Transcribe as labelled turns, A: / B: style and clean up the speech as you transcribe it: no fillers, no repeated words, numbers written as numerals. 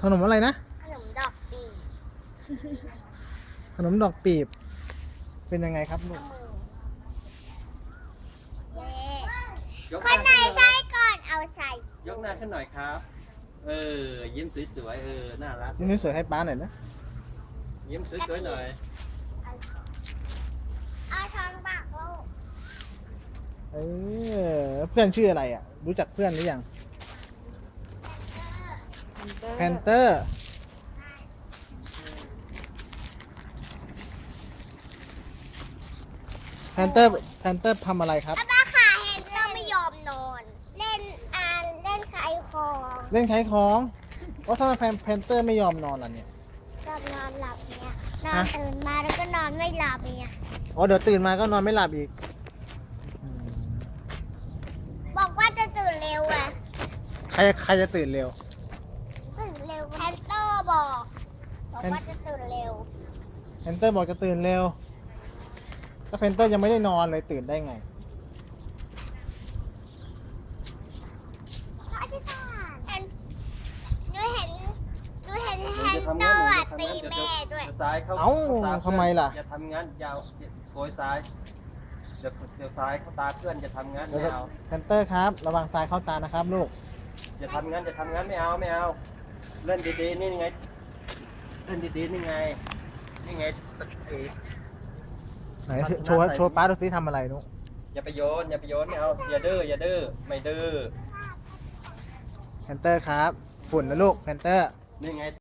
A: ขนมอะไรนะ
B: ขนมดอกปีบ
A: ขนมดอกปีบ เป็นยังไงครับลูก
B: เย้
C: ยก
B: ค
C: ห
B: นไหน
C: ขึ้
B: ใช่ก่อนเอาใส่
C: ยกหน้าขึ้นหน่อยครับ ยิ้มสวยๆน่ารัก
A: นี่สวยให้ป้าหน่อยนะ
C: ยิ้มสวยๆหน่อย
B: เอาช้อนปากลูก
A: เพื่อนชื่ออะไรอ่ะ รู้จักเพื่อนหรือยังแพนเตอร์แพนเตอร์ทำอะไรครับ
B: ป้าขาเห็นเราไม่ยอมนอน เล่นเล่นขายของ
A: เล่นขายของว่าทำไมแพนเตอร์ไม่ยอมนอนล่ะเนี่ย
B: ก็นอนหลับเนี่ยนอนตื่นมาแล้วก็นอนไม่หลับเนี่ย
A: อ๋อเดี๋ยวตื่นมาก็นอนไม่หลับอีก
B: บอกว่าจะตื่นเร็วอะ
A: ใครจะตื่นเร็ว
B: ตื่นเร็วแพนเตอร์บอกว่าจะตื่นเร็ว
A: แพนเตอร์บอกจะตื่นเร็วถ้าแพนเตอร์ยังไม่ได้นอนเลยตื่นได้ไง
B: พระอาจารย์หนูเห็นแฮ
C: จะ
B: น
C: ทำ
B: เตอ
C: งั้น
B: ร์ตีแม่ด้วย
C: เดี๋ยวซ้ายเข้า
A: เอ้า
C: ต
A: ทำไมล่ะ
C: อย่าทำงั้นยาวโกยซ้าย เดี๋ยวซ้ายเข้าตาเพื่อนจะทำงั้นไม่เอา
A: แพนเตอร์ครับ ระวังทรายเข้าตานะครับลูก
C: อย่าทำงั้นไม่เอาเล่นดีๆนี่ไงเล่นดีๆนี่ไงตะเอก
A: ไหนโชว์ป้าดูซิทำอะไรนุ๊ก
C: อย่าไปโยนไม่เอาอย่าดื้อไม่ดื้อ
A: แพนเตอร์ครับ ฝุ่นนะลูกแพนเตอร์
C: นี่ไง